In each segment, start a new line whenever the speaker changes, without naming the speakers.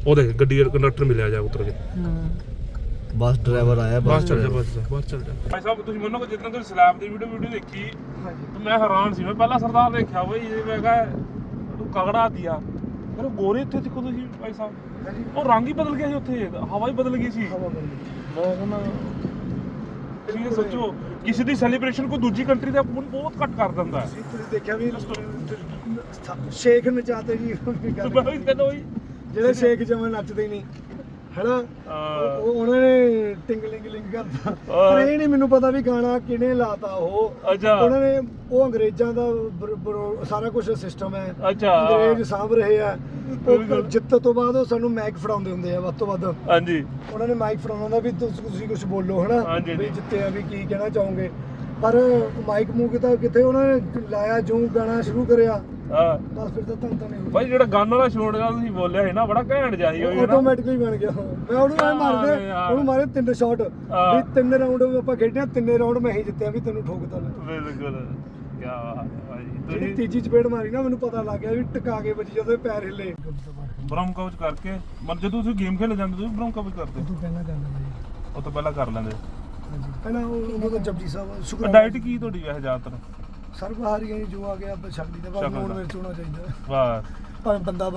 ਉਹ ਦੇਖ ਗੱਡੀ ਦਾ ਕੰਡਕਟਰ ਮਿਲਿਆ ਜਾ ਉਤਰ ਕੇ
बस ड्राइवर आया
ਬਸ ਚੱਲ ਜਾ ਬਸ ਚੱਲ ਜਾ ਭਾਈ ਸਾਹਿਬ ਤੁਸੀਂ ਮੰਨੋਗੇ ਜਿੱਦਾਂ ਤੁਸੀਂ ਸਲੈਬ ਦੀ ਵੀਡੀਓ ਦੇਖੀ ਤੇ ਮੈਂ ਹੈਰਾਨ ਸੀ ਮੈਂ ਪਹਿਲਾਂ ਸਰਦਾਰ ਦੇਖਿਆ ਬਈ ਮੈਂ ਕਿਹਾ ਤੂੰ ਕਗੜਾ ਦਿਆ ਪਰ ਗੋਰੇ ਇੱਥੇ ਦੇਖੋ ਤੁਸੀਂ ਭਾਈ ਸਾਹਿਬ ਉਹ ਰੰਗ ਹੀ ਬਦਲ ਗਿਆ ਸੀ ਉੱਥੇ ਹਵਾ ਹੀ ਬਦਲ ਗਈ ਸੀ ਮੈਂ ਕਹਿੰਦਾ ਤੁਸੀਂ ਸੋਚੋ ਕਿਸੇ ਦੀ ਸੈਲੀਬ੍ਰੇਸ਼ਨ ਕੋਈ ਦੂਜੀ ਕੰਟਰੀ ਦਾ ਬਹੁਤ ਘੱਟ ਕਰ ਦਿੰਦਾ ਹੈ
ਤੁਸੀਂ ਦੇਖਿਆ ਵੀ ਸ਼ੇਖ ਨਚਾਤੇ ਜੀ ਜਿਹੜੇ ਸ਼ੇਖ ਜਮਨ ਨੱਚਦੇ ਹੀ ਨਹੀਂ ਹੈਨਾ ਉਹਨਾਂ ਨੇ ਟਿੰਗਲਿੰਗ ਲਿੰਗ ਕਰਤਾ ਪਰ ਇਹ ਨਹੀਂ ਮੈਨੂੰ ਪਤਾ ਵੀ ਗਾਣਾ ਕਿਹਨੇ ਲਾਤਾ ਉਹ ਉਹਨਾਂ ਨੇ ਉਹ ਅੰਗਰੇਜ਼ਾਂ ਦਾ ਸਾਰਾ ਕੁਝ ਸਿਸਟਮ ਹੈ ਅੰਗਰੇਜ਼ ਸਾਂਭ ਰਹੇ ਆ ਜਿੱਤ ਤੋਂ ਬਾਅਦ ਉਹ ਸਾਨੂੰ ਮਾਈਕ ਫੜਾਉਂਦੇ ਹੁੰਦੇ ਆ ਵੱਧ ਤੋਂ ਵੱਧ
ਹਾਂਜੀ ਉਹਨਾਂ
ਨੇ ਮਾਈਕ ਫੜਾਉਣਾ ਹੁੰਦਾ ਵੀ ਤੁਸੀਂ ਕੁਝ ਬੋਲੋ ਹਨਾ ਵੀ ਜਿੱਤੇ ਆ ਵੀ ਕੀ ਕਹਿਣਾ ਚਾਹੋਗੇ ਪਰ ਮਾਈਕ ਮੂਕ ਤਾਂ ਕਿੱਥੇ ਉਹਨਾਂ ਨੇ ਲਾਇਆ ਜੋ ਗਾਣਾ ਸ਼ੁਰੂ ਕਰਿਆ ਬਸ ਫਿਰ ਤਾਂ ਤਾਂ ਨਹੀਂ
ਭਾਈ ਜਿਹੜਾ ਗਾਣ ਵਾਲਾ ਸ਼ੋਟ ਦਾ ਤੁਸੀਂ ਬੋਲਿਆ ਸੀ ਨਾ ਬੜਾ ਘੈਂਟ ਜਿਹਾ ਸੀ ਉਹ
ਆਟੋਮੈਟਿਕਲੀ ਬਣ ਗਿਆ ਮੈਂ ਉਹਨੂੰ ਮਾਰੇ 3 ਸ਼ਾਟ ਵੀ 3 ਰਾਉਂਡ ਆਪਾਂ ਖੇਡਿਆ 3 ਰਾਉਂਡ ਮੈਂ ਹੀ ਜਿੱਤਿਆ ਵੀ ਤੈਨੂੰ ਠੋਕਤਾ ਮੈਂ
ਬਿਲਕੁਲ ਕੀ ਬਾਤ ਹੈ ਭਾਈ
ਜਿਹੜੀ ਤੀਜੀ ਚਪੇੜ ਮਾਰੀ ਨਾ ਮੈਨੂੰ ਪਤਾ ਲੱਗ ਗਿਆ ਵੀ ਟਿਕਾ ਕੇ ਵੱਜੀ ਜਦੋਂ ਪੈਰ ਹਿੱਲੇ
ਬ੍ਰਹਮ ਕਵਚ ਕਰਕੇ ਮਨ ਜਦੋਂ ਤੁਸੀਂ ਗੇਮ ਖੇਡ ਜਾਂਦੇ ਤੁਸੀਂ ਬ੍ਰਹਮ ਕਵਚ ਕਰਦੇ
ਤੂੰ ਪਹਿਲਾਂ ਕਰ ਲੈਂਦਾ
ਉਹ ਤੋਂ ਪਹਿਲਾਂ ਕਰ ਲੈਂਦੇ
ਹਾਂਜੀ ਪਹਿਲਾਂ ਉਹ ਤਾਂ ਜਪਜੀ ਸਾਹਿਬ ਸ਼ੁਕਰ
ਡਾਈਟ ਕੀ ਤੁਹਾਡੀ ਵੈਸੇ ਜ਼ਿਆਦਾਤਰ
ਸਰਬਹਾਰੀਆਂ ਜੋ ਆ ਗਿਆ ਆਪਾਂ ਛੱਡ ਦਿੱਤਾ ਪਰ ਹੁਣ ਵਿੱਚ ਹੋਣਾ ਚਾਹੀਦਾ
ਵਾਹ
ਪਰ ਬੰਦਾ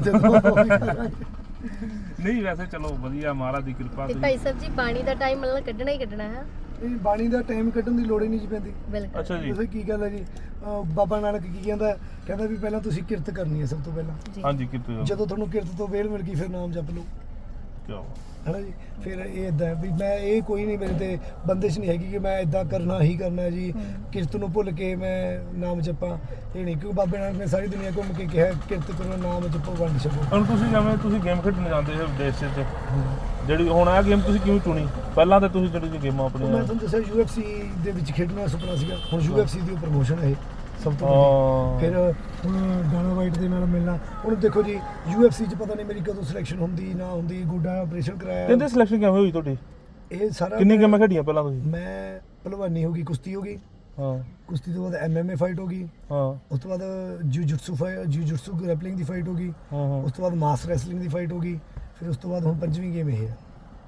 ਤੇ
ਨਹੀਂ ਵੈਸੇ ਚਲੋ ਵਧੀਆ ਮਹਾਰਾਜ ਦੀ ਕਿਰਪਾ
ਤੇ ਭਾਈ ਸਾਹਿਬ ਜੀ ਬਾਣੀ ਦਾ ਟਾਈਮ ਮਤਲਬ ਕੱਢਣਾ ਹੀ ਕੱਢਣਾ ਹੈ
ਇਹ ਬਾਣੀ ਦਾ ਟਾਈਮ ਕੱਢਣ ਦੀ ਲੋੜ ਹੀ ਨਹੀਂ ਜੀ ਪੈਂਦੀ
ਅੱਛਾ ਜੀ
ਤੁਸੀਂ ਕੀ ਗੱਲ ਹੈ ਜੀ ਬਾਬਾ ਨਾਨਕ ਕੀ ਕਹਿੰਦਾ ਵੀ ਪਹਿਲਾਂ ਤੁਸੀਂ ਕਿਰਤ ਕਰਨੀ ਹੈ ਸਭ ਤੋਂ ਪਹਿਲਾਂ
ਹਾਂਜੀ ਕਿਰਤ
ਜਦੋਂ ਤੁਹਾਨੂੰ ਕਿਰਤ ਤੋਂ ਵੇਲ ਮਿਲ ਗਈ ਫਿਰ ਨਾਮ ਜਪ ਲਓ
ਕਿਉਂ
ਹੈਨਾ ਜੀ ਫਿਰ ਇਹ ਇਦਾਂ ਵੀ ਮੈਂ ਇਹ ਕੋਈ ਨਹੀਂ ਮੇਰੇ ਤੇ ਬੰਦਿਸ਼ ਨਹੀਂ ਹੈਗੀ ਕਿ ਮੈਂ ਇਦਾਂ ਕਰਨਾ ਹੀ ਕਰਨਾ ਜੀ ਕਿਰਤ ਨੂੰ ਭੁੱਲ ਕੇ ਮੈਂ ਨਾਮ ਜਪਾਂ ਇਹ ਨਹੀਂ ਕਿਉਂਕਿ ਬਾਬੇ ਨਾਨਕ ਨੇ ਸਾਰੀ ਦੁਨੀਆ ਘੁੰਮ ਕੇ ਕਿਹਾ ਕਿਰਤ ਕਰੋ ਨਾਮ ਜਪੋ ਵੰਡ ਛਕੋ
ਹੁਣ ਤੁਸੀਂ ਜਿਵੇਂ ਤੁਸੀਂ ਗੇਮ ਖੇਡਣ ਜਾਂਦੇ ਹੋ ਵਿਦੇਸ਼ 'ਚ ਜਿਹੜੀ ਹੁਣ ਇਹ ਗੇਮ ਤੁਸੀਂ ਕਿਉਂ ਚੁਣੀ ਪਹਿਲਾਂ ਤਾਂ ਤੁਸੀਂ ਜਿਹੜੀ ਗੇਮਾਂ ਆਪਣੀਆਂ
ਮੈਂ ਤੁਹਾਨੂੰ ਦੱਸਿਆ UFC ਦੇ ਵਿੱਚ ਖੇਡਣਾ ਸੁਪਨਾ ਸੀਗਾ ਹੁਣ UFC ਦੀ ਪ੍ਰਮੋਸ਼ਨ ਹੈ ਸਭ ਤੋਂ ਫਿਰ ਹੁਣ ਡਾਨਾ ਵਾਈਟ ਦੇ ਨਾਲ ਮਿਲਣਾ ਹੁਣ ਦੇਖੋ ਜੀ UFC 'ਚ ਪਤਾ ਨਹੀਂ ਮੇਰੀ ਕਦੋਂ ਸਿਲੈਕਸ਼ਨ ਹੁੰਦੀ ਨਾ ਹੁੰਦੀ ਗੋਡਾ ਆਪਰੇਸ਼ਨ ਕਰਾਇਆ
ਇਹਦੇ ਸਿਲੈਕਸ਼ਨ ਕਿਵੇਂ ਹੋਈ ਤੁਹਾਡੀ
ਇਹ ਸਾਰਾ
ਕਿੰਨੀ ਗੇਮਾਂ ਖੇਡੀਆਂ ਪਹਿਲਾਂ ਤੁਸੀਂ
ਮੈਂ ਪਹਿਲਵਾਨੀ ਹੋ ਗਈ ਕੁਸ਼ਤੀ ਹੋ ਗਈ
ਹਾਂ
ਕੁਸ਼ਤੀ ਤੋਂ ਬਾਅਦ MMA ਫਾਈਟ ਹੋ ਗਈ
ਹਾਂ
ਉਸ ਤੋਂ ਬਾਅਦ ਜਿਊਜਿਟਸੂ ਗ੍ਰੈਪਲਿੰਗ ਦੀ ਫਾਈਟ ਹੋ ਗਈ ਉਸ ਤੋਂ ਬਾਅਦ ਮਾਸ ਰੈਸਲਿੰਗ ਦੀ ਫਾਈਟ ਹੋ ਗਈ ਫਿਰ ਉਸ ਤੋਂ ਬਾਅਦ ਹੁਣ ਪੰਜਵੀਂ ਗੇਮ ਇਹ ਹੈ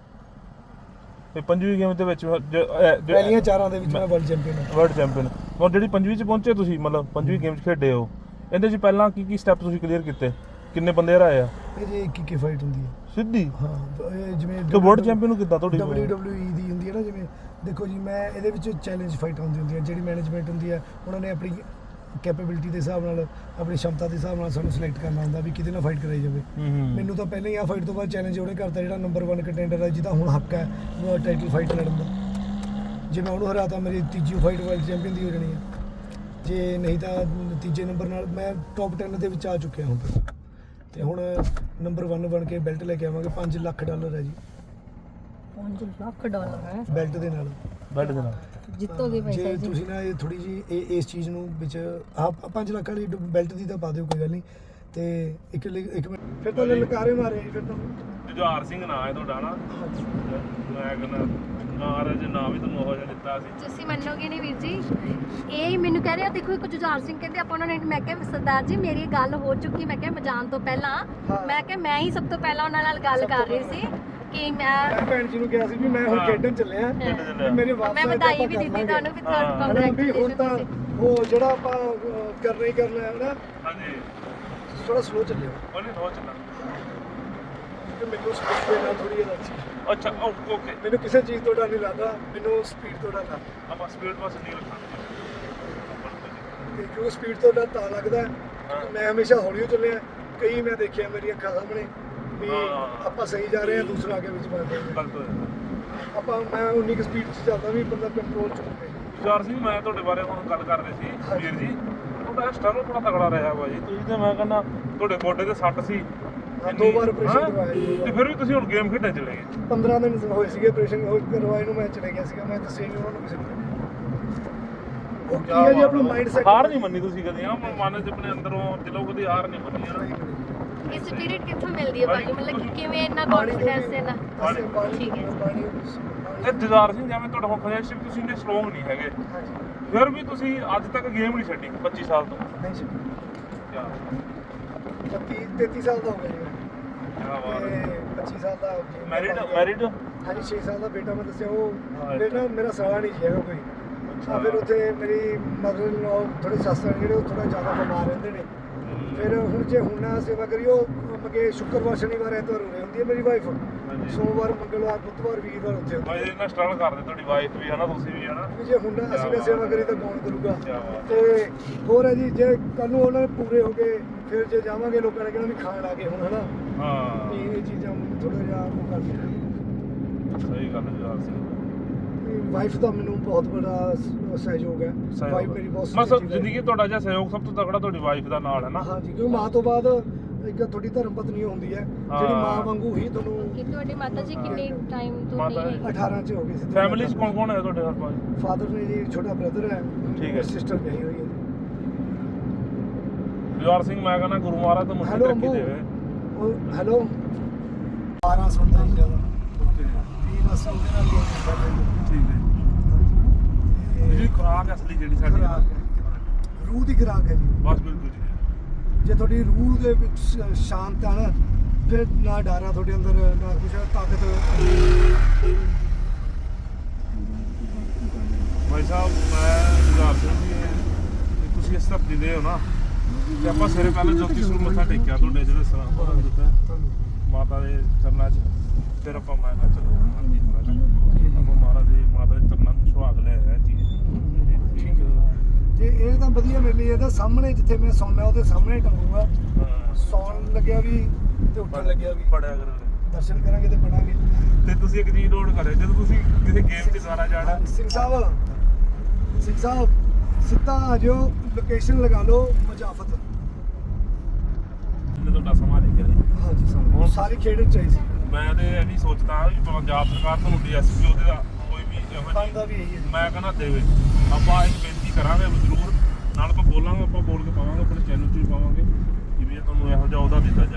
ਤੇ ਪੰਜਵੀਂ ਗੇਮ ਦੇ ਵਿੱਚ
ਪਹਿਲੀਆਂ ਚਾਰਾਂ ਦੇ ਵਿੱਚ ਮੈਂ ਵਰਲਡ ਚੈਂਪੀਅਨ
ਹੁਣ ਜਿਹੜੀ ਪੰਜਵੀਂ 'ਚ ਪਹੁੰਚੇ ਤੁਸੀਂ ਮਤਲਬ ਪੰਜਵੀਂ ਗੇਮ 'ਚ ਖੇਡੇ ਹੋ ਇਹਦੇ 'ਚ ਪਹਿਲਾਂ ਕੀ ਸਟੈਪ ਤੁਸੀਂ ਕਲੀਅਰ ਕੀਤੇ ਕਿੰਨੇ ਬੰਦੇ ਹਰਾਏ ਆ
ਇਹ ਜੇ ਇੱਕ ਫਾਈਟ ਹੁੰਦੀ ਹੈ
ਸਿੱਧੀ
ਹਾਂ ਜਿਵੇਂ
ਤੇ ਵਰਲਡ ਚੈਂਪੀਅਨ ਨੂੰ ਕਿੱਦਾਂ ਤੁਹਾਡੀ
WWE ਦੀ ਹੁੰਦੀ ਹੈ ਨਾ ਜਿਵੇਂ ਦੇਖੋ ਜੀ ਮੈਂ ਇਹਦੇ ਵਿੱਚ ਚੈਲੰਜ ਫਾਈਟ ਹੁੰਦੀ ਹੈ ਜਿਹੜੀ ਮੈਨੇਜਮੈਂਟ ਹੁੰਦੀ ਹੈ ਉਹਨਾਂ ਨੇ ਆਪਣੀ ਕੈਪੇਬਿਲਿਟੀ ਦੇ ਹਿਸਾਬ ਨਾਲ ਆਪਣੀ ਸ਼ਮਤਾ ਦੇ ਹਿਸਾਬ ਨਾਲ ਸਾਨੂੰ ਸਿਲੈਕਟ ਕਰਨਾ ਹੁੰਦਾ ਵੀ ਕਿਹਦੇ ਨਾਲ ਫਾਈਟ ਕਰਾਈ ਜਾਵੇ ਮੈਨੂੰ ਤਾਂ ਪਹਿਲਾਂ ਹੀ ਆ ਫਾਈਟ ਤੋਂ ਬਾਅਦ ਚੈਲੰਜ ਉਹਨੇ ਕਰਤਾ ਜਿਹੜਾ ਨੰਬਰ 1 ਕੰਟੈਂਡਰ ਹੈ ਜਿਹਦਾ ਹੁਣ ਹੱਕ ਹੈ ਟਾਈਟਲ ਫਾਈਟ ਲੜਨ ਦਾ ਜੇ ਮੈਂ ਉਹਨੂੰ ਹਰਾਤਾ ਮੇਰੀ ਤੀਜੀ ਫਾਈਟ ਵਰਲਡ ਚੈਂਪੀਅਨ ਦੀ ਹੋ ਜਾਣੀ ਹੈ ਜੇ ਨਹੀਂ ਤਾਂ ਤੀਜੇ ਨੰਬਰ ਨਾਲ ਮੈਂ ਟੌਪ 10 ਦੇ ਵਿੱਚ ਆ ਚੁੱਕਿਆ ਹੁਣ ਤੱਕ ਤੇ ਹੁਣ ਨੰਬਰ 1 ਬਣ ਕੇ ਬੈਲਟ ਲੈ ਕੇ ਆਵਾਂਗੇ $5 ਲੱਖ ਹੈ ਜੀ
$5 ਲੱਖ ਹੈ
ਬੈਲਟ ਦੇ ਨਾਲ
ਜਿੱਤੋਗੇ ਭਾਈ ਸਾਹਿਬ ਜੀ
ਤੁਸੀਂ ਨਾ ਇਹ ਥੋੜੀ ਜੀ ਇਸ ਚੀਜ਼ ਨੂੰ ਵਿੱਚ ਆ 5 ਲੱਖ ਵਾਲੀ ਬੈਲਟ ਦੀ ਤਾਂ ਪਾ ਦਿਓ ਕੋਈ ਗੱਲ ਨਹੀਂ ਤੇ ਇੱਕ ਮਿੰਟ ਫਿਰ ਤਾਂ ਲਲਕਾਰੇ ਮਾਰੇ ਫਿਰ ਤਾਂ
ਜੁਝਾਰ ਸਿੰਘ ਨਾਂ ਹੈ ਤੁਹਾਡਾ ਨਾ ਮੈਂ ਕਹਿੰਦਾ ਨਾਮ ਜੇ ਨਾਮ ਵੀ ਤੁਹਾਨੂੰ ਉਹ ਜਿਹਾ ਦਿੱਤਾ ਸੀ
ਤੁਸੀਂ ਮੰਨੋਗੇ ਨਹੀਂ ਵੀਰ ਜੀ ਇਹ ਮੈਨੂੰ ਕਹਿ ਰਿਹਾ ਦੇਖੋ ਇੱਕ ਜੁਝਾਰ ਸਿੰਘ ਕਹਿੰਦੇ ਆਪਾਂ ਉਹਨਾਂ ਨੇ ਮੈਂ ਕਿਹਾ ਸਰਦਾਰ ਜੀ ਮੇਰੀ ਗੱਲ ਹੋ ਚੁੱਕੀ ਮੈਂ ਕਿਹਾ ਮੈਂ ਜਾਣ ਤੋਂ ਪਹਿਲਾਂ ਮੈਂ ਕਿਹਾ ਮੈਂ ਹੀ ਸਭ ਤੋਂ ਪਹਿਲਾਂ ਉਹਨਾਂ ਨਾਲ ਗੱਲ ਕਰ ਰਹੀ ਸੀ ਕਿ ਮੈਂ
ਭੈਣ ਜੀ ਨੂੰ ਕਿਹਾ ਸੀ ਵੀ ਮੈਂ ਹੁਣ ਖੇਡਣ ਚੱਲਿਆ ਮੇਰੇ ਵਾਪਸ
ਮੈਂ ਵਧਾਈ ਵੀ ਦਿੱਤੀ ਤੁਹਾਨੂੰ ਵੀ
ਹੁਣ ਤਾਂ ਉਹ ਜਿਹੜਾ ਆਪਾਂ ਕਰਨਾ ਹੀ ਕਰਨਾ ਹੈ ਨਾ
ਹਾਂਜੀ
ਥੋੜਾ ਸਲੋ ਚੱਲਿਓ
ਉਹਨੇ ਹੋ ਚੱਲਣਾ
ਕਿ ਮੈਨੂੰ ਸਪੀਡ ਦੇ ਨਾਲ ਥੋੜੀ ਐਨਰਜੀ
ਅੱਛਾ ਓਕੇ
ਮੈਨੂੰ ਕਿਸੇ ਚੀਜ਼ ਤੋਂ ਡਰ ਨਹੀਂ ਲੱਗਦਾ ਮੈਨੂੰ ਸਪੀਡ ਤੋਂ ਡਰ ਲੱਗਦਾ
ਆਪਾਂ ਸਪੀਡ ਪਾਸ ਨਹੀਂ ਰੱਖਾਂਗੇ
ਕਿਉਂਕਿ ਸਪੀਡ ਤੋਂ ਡਰ ਤਾਂ ਲੱਗਦਾ ਮੈਂ ਹਮੇਸ਼ਾ ਹੌਲੀ ਚੱਲਿਆ ਕਈ ਮੈਂ ਦੇਖਿਆ ਮੇਰੀਆਂ ਅੱਖਾਂ ਸਾਹਮਣੇ ਵੀ ਆਪਾਂ ਸਹੀ ਜਾ ਰਹੇ ਹਾਂ ਦੂਸਰਾ ਅੱਗੇ ਵਿੱਚ ਵੱਧ ਰਿਹਾ
ਗਲਤ ਹੋਇਆ
ਆਪਾਂ ਮੈਂ 19 ਸਪੀਡ 'ਚ ਚੱਲਦਾ ਵੀ ਬੰਦਾ ਕੰਟਰੋਲ 'ਚ ਹੋਵੇ
ਜੁਝਾਰ ਸਿੰਘ ਮੈਂ ਤੁਹਾਡੇ ਬਾਰੇ ਹੁਣ ਗੱਲ ਕਰ ਰਹੇ ਸੀ ਵੀਰ ਜੀ ਤੁਹਾਡਾ ਸਟਰਗਲ ਬੜਾ ਤਗੜਾ ਰਿਹਾ ਭਾਜੀ ਤੁਸੀਂ ਤੇ ਮੈਂ ਕਹਿੰਦਾ ਤੁਹਾਡੇ ਗੋਡੇ ਤੇ ਸੱਟ ਸੀ
2 ਵਾਰ ਆਪਰੇਸ਼ਨ ਕਰਵਾਇਆ
ਤੇ ਫਿਰ ਵੀ ਤੁਸੀਂ ਹੁਣ ਗੇਮ ਖੇਡਣ ਚਲੇ ਗਏ
15 ਦਿਨ ਹੋਏ ਸੀਗੇ ਆਪਰੇਸ਼ਨ ਕਰਵਾਏ ਨੂੰ ਮੈਂ ਚਲੇ ਗਿਆ ਸੀਗਾ ਮੈਂ ਦੱਸਿਆ ਨਹੀਂ ਉਹਨਾਂ ਨੂੰ ਕਿਸੇ ਨੂੰ ਉਹ ਕੀ ਹੈ ਜੀ ਆਪਣਾ ਮਾਈਂਡ ਸੈਟ
ਹਾਰ ਨਹੀਂ ਮੰਨੀ ਤੁਸੀਂ ਕਦੇ ਆ ਮਨ ਚ ਆਪਣੇ ਅੰਦਰੋਂ ਦਿਲੋਂ ਕਦੇ ਹਾਰ ਨਹੀਂ ਮੰਨੀ ਹੈ
ਇਹ ਸਪਿਰਿਟ ਕਿੱਥੋਂ ਮਿਲਦੀ ਹੈ ਭਾਈ ਮਤਲਬ ਕਿ ਕਿਵੇਂ ਇੰਨਾ ਕੌਨਫੀਡੈਂਸ ਹੈ ਨਾ ਠੀਕ ਹੈ
ਤੇ ਜੁਝਾਰ ਸਿੰਘ ਜਿਵੇਂ ਤੁਹਾਡਾ ਹੁਣ ਫਾਈਨੈਂਸ਼ੀਅਲ ਤੁਸੀਂ ਇੰਨੇ ਸਟਰੋਂਗ ਨਹੀਂ ਹੈਗੇ ਫਿਰ ਵੀ ਤੁਸੀਂ ਅੱਜ ਤੱਕ ਗੇਮ ਨਹੀਂ ਛੱਡੀ 25 ਸਾਲ ਤੋਂ
ਨਹੀਂ ਛੱਡੀ
ਕਿਆ
33 ਸਾਲ ਦਾ ਹੋ ਗਿਆ ਜੀ
ਕਿਆ ਬਾਤ
ਤੇ
ਹੈ।
25 ਸਾਲ ਦਾ
ਮੈਰਿਡ
ਹਾਂਜੀ 6 ਸਾਲ ਦਾ ਬੇਟਾ ਮੈਂ ਦੱਸਿਆ ਉਹ
ਹਾਂ,
ਬੇਟਾ ਮੇਰਾ ਸਾਲਾ ਨਹੀਂ ਜੀ ਹੈਗਾ ਕੋਈ ਆ ਫਿਰ ਉੱਥੇ ਮੇਰੀ ਮਦਰ ਇਨ ਲਾਅ ਥੋੜੇ ਸੱਸ ਜਿਹੜੇ ਉਹ ਥੋੜਾ ਜ਼ਿਆਦਾ ਬਿਮਾਰ ਰਹਿੰਦੇ ਨੇ ਫਿਰ ਹੁਣ ਜੇ ਹੁਣ ਨਾ ਸੇਵਾ ਕਰੀਓ ਮਗੇ ਸ਼ੁੱਕਰਵਾਰ ਸ਼ਨੀਵਾਰ ਐਤਵਾਰ ਉਰੇ ਹੁੰਦੀ ਹੈ ਮੇਰੀ ਵਾਈਫ
ਹਾਂਜੀ।
ਸੋਮਵਾਰ ਮੰਗਲਵਾਰ ਬੁੱਧਵਾਰ ਵੀਰਵਾਰ ਉੱਥੇ ਹੁੰਦੀ
ਭਾਈ ਇਹਨਾਂ ਸਟਰਗਲ ਕਰਦੇ ਤੁਹਾਡੀ ਵਾਈਫ ਵੀ ਹਨਾ ਤੁਸੀਂ ਵੀ ਹਨਾ
ਹੈ। ਜੇ ਹੁਣ ਨਾ ਅਸੀਂ ਨਾ ਸੇਵਾ ਕਰੀ ਤਾਂ ਕੌਣ ਕਰੂਗਾ
ਕਿਆ ਬਾਤ।
ਤੇ ਹੋਰ ਹੈ ਜੀ ਜੇ ਕੱਲ ਨੂੰ ਉਹਨਾਂ ਨੇ ਪੂਰੇ ਹੋ ਗਏ ਫਿਰ ਜੇ ਜਾਵਾਂਗੇ ਲੋਕਾਂ ਨੇ ਕਹਿਣਾ ਵੀ ਖਾਣ ਆ ਗਏ ਹੁਣ ਹਨਾ
ਹਾਂ
ਇਹ ਚੀਜ਼ਾਂ ਥੋੜਾ ਜਿਹਾ ਉਹ ਕਰਦੇ
ਸਹੀ ਗੱਲ ਹੈ ਜਵਾਰ ਸਿੰਘ
ਵਾਈਫ ਦਾ ਮੈਨੂੰ ਬਹੁਤ ਬੜਾ ਸਹਿਯੋਗ ਹੈ ਵਾਈਫ ਮੇਰੀ ਬਹੁਤ
ਮਤਲਬ
supportive ਹੈ।
ਜ਼ਿੰਦਗੀ 'ਚ ਤੁਹਾਡਾ ਜਿਹੜਾ ਸਹਿਯੋਗ ਸਭ ਤੋਂ ਤਕੜਾ ਤੁਹਾਡੀ ਵਾਈਫ ਦਾ ਨਾਲ ਹੈ ਨਾ
ਹਾਂਜੀ ਕਿਉਂਕਿ ਮਾਂ ਤੋਂ ਬਾਅਦ ਇੱਕ ਤੁਹਾਡੀ ਧਰਮ ਪਤਨੀ ਹੁੰਦੀ ਹੈ ਜਿਹੜੀ
ਹਾਂ।
ਮਾਂ ਵਾਂਗੂ ਹੀ ਤੁਹਾਨੂੰ
ਕਿ ਤੁਹਾਡੀ ਮਾਤਾ ਜੀ ਕਿੰਨੇ ਟਾਈਮ ਤੋਂ
ਮਾਤਾ
ਨਹੀਂ
ਜੀ।
18 ਚ ਹੋ ਗਏ ਸੀ
ਫੈਮਿਲੀ 'ਚ ਕੌਣ ਕੌਣ ਹੈ ਤੁਹਾਡੇ ਹਰ ਪਾਸ
ਫਾਦਰ ਨੇ ਜੀ ਛੋਟਾ ਬ੍ਰਦਰ ਹੈ
ਠੀਕ ਹੈ।
ਸਿਸਟਰ ਵਿਆਹੀ ਹੋਈ ਹੈ
ਜਵਾਰ ਸਿੰਘ ਮੈਂ ਕਹਿੰਦਾ ਗੁਰੂ ਮਹਾਰਾਜ ਤੋਂ ਮੁੱਢ
ਹੈਲੋ
ਤਰੱਕੀ
ਅੰਬੂ
ਦੇਵੇ
ਉਹ ਹੈਲੋ 12 ਸੁਣਦਾ ਹੀ ਜ਼ਿਆਦਾ ਵੀ ਬਸ ਉਹਦੇ ਨਾਲ ਹੀ ਹੈ
ਠੀਕ ਹੈ ਜਿਹੜੀ ਖੁਰਾਕ ਅਸਲੀ ਜਿਹੜੀ ਸਾਡੀ
ਖੁਰਾਕ ਹੈ। ਰੂਹ ਦੀ ਖੁਰਾਕ ਹੈ ਜੀ
ਬਸ ਬਿਲਕੁਲ ਜੀ
ਜੇ ਤੁਹਾਡੀ ਰੂਹ ਦੇ ਵਿੱਚ ਸ਼ਾਂਤ ਆ ਨਾ ਫਿਰ ਨਾ ਡਰ ਆ ਤੁਹਾਡੇ ਅੰਦਰ ਨਾ ਕੁਛ ਤਾਕਤ
ਭਾਈ ਸਾਹਿਬ ਮੈਂ ਜਵਾਰ ਸਿੰਘ ਜੀ ਤੇ ਤੁਸੀਂ ਇਸ ਧਰਤੀ ਦੇ ਹੋ ਨਾ ਤੇ ਆਪਾਂ ਸਵੇਰੇ ਪਹਿਲਾਂ ਜੋਤੀ ਸਰੂਪ ਮੱਥਾ ਟੇਕਿਆ ਤੁਹਾਡੇ ਜਿਹੜੇ ਸਲਾਮ ਪੜਨ ਦਿੱਤਾ ਮਾਤਾ ਦੇ ਚਰਨਾਂ 'ਚ ਫਿਰ ਆਪਾਂ ਮੈਂ ਕਿਹਾ ਚਲੋ ਹਾਂਜੀ ਮੈਂ ਕਿਹਾ ਆਪਾਂ ਮਹਾਰਾਜ ਦੇ ਮਾਤਾ ਦੇ ਚਰਨਾਂ ਨੂੰ ਸੁਹਾਗ ਲੈ ਆਇਆ ਜੀ ਠੀਕ
ਤੇ ਇਹ ਤਾਂ ਵਧੀਆ ਮੇਰੇ ਲਈ ਇਹਦਾ ਸਾਹਮਣੇ ਜਿੱਥੇ ਮੈਂ ਸੌਂਦਾ ਉਹਦੇ ਸਾਹਮਣੇ ਟੰਗੂਗਾ
ਹਾਂ
ਸੌਣ ਲੱਗਿਆ ਵੀ ਤੇ ਉੱਠਣ ਲੱਗਿਆ ਵੀ
ਪੜਿਆ ਕਰਾਂਗੇ
ਦਰਸ਼ਨ ਕਰਾਂਗੇ ਤੇ ਪੜਾਂਗੇ
ਤੇ ਤੁਸੀਂ ਇੱਕ ਚੀਜ਼ ਨੋਟ ਕਰਿਓ ਜਦੋਂ ਤੁਸੀਂ ਕਿਸੇ ਗੇਮ 'ਚ ਦੁਆਰਾ ਜਾਣਾ
ਸਿੰਘ ਸਾਹਿਬ ਸਿੱਧਾ ਆ ਜਾਓ ਲੋਕੇਸ਼ਨ ਲਗਾ ਲਓ ਮਜਾਫਤ
ਇਹਨੇ ਤੁਹਾਡਾ ਸਮਾਂ ਲਿਖਿਆ ਜੀ
ਹਾਂਜੀ ਸਾਨੂੰ ਸਾਰੀ ਖੇਡ ਚਾਹੀਦੀ
ਮੈਂ ਤੇ ਇਹ ਨਹੀਂ ਸੋਚਦਾ ਵੀ ਪੰਜਾਬ ਸਰਕਾਰ ਤੁਹਾਨੂੰ ਡੀਐਸਪੀ ਉਹਦੇ ਦਾ ਕੋਈ ਵੀ ਇਹੋ
ਬਣਦਾ
ਜਿਹੀ
ਵੀ ਇਹੀ ਹੈ
ਮੈਂ ਕਹਿੰਦਾ ਦੇਵੇ ਆਪਾਂ ਇੱਕ ਬੇਨਤੀ ਕਰਾਂਗੇ ਜ਼ਰੂਰ ਨਾਲ ਆਪਾਂ ਬੋਲਾਂਗੇ ਆਪਾਂ ਬੋਲ ਕੇ ਪਾਵਾਂਗੇ ਆਪਣੇ ਚੈਨਲ 'ਚ ਵੀ ਪਾਵਾਂਗੇ ਕਿ ਵੀ ਇਹ ਤੁਹਾਨੂੰ ਇਹੋ ਜਿਹਾ ਉਹਦਾ ਦਿੱਤਾ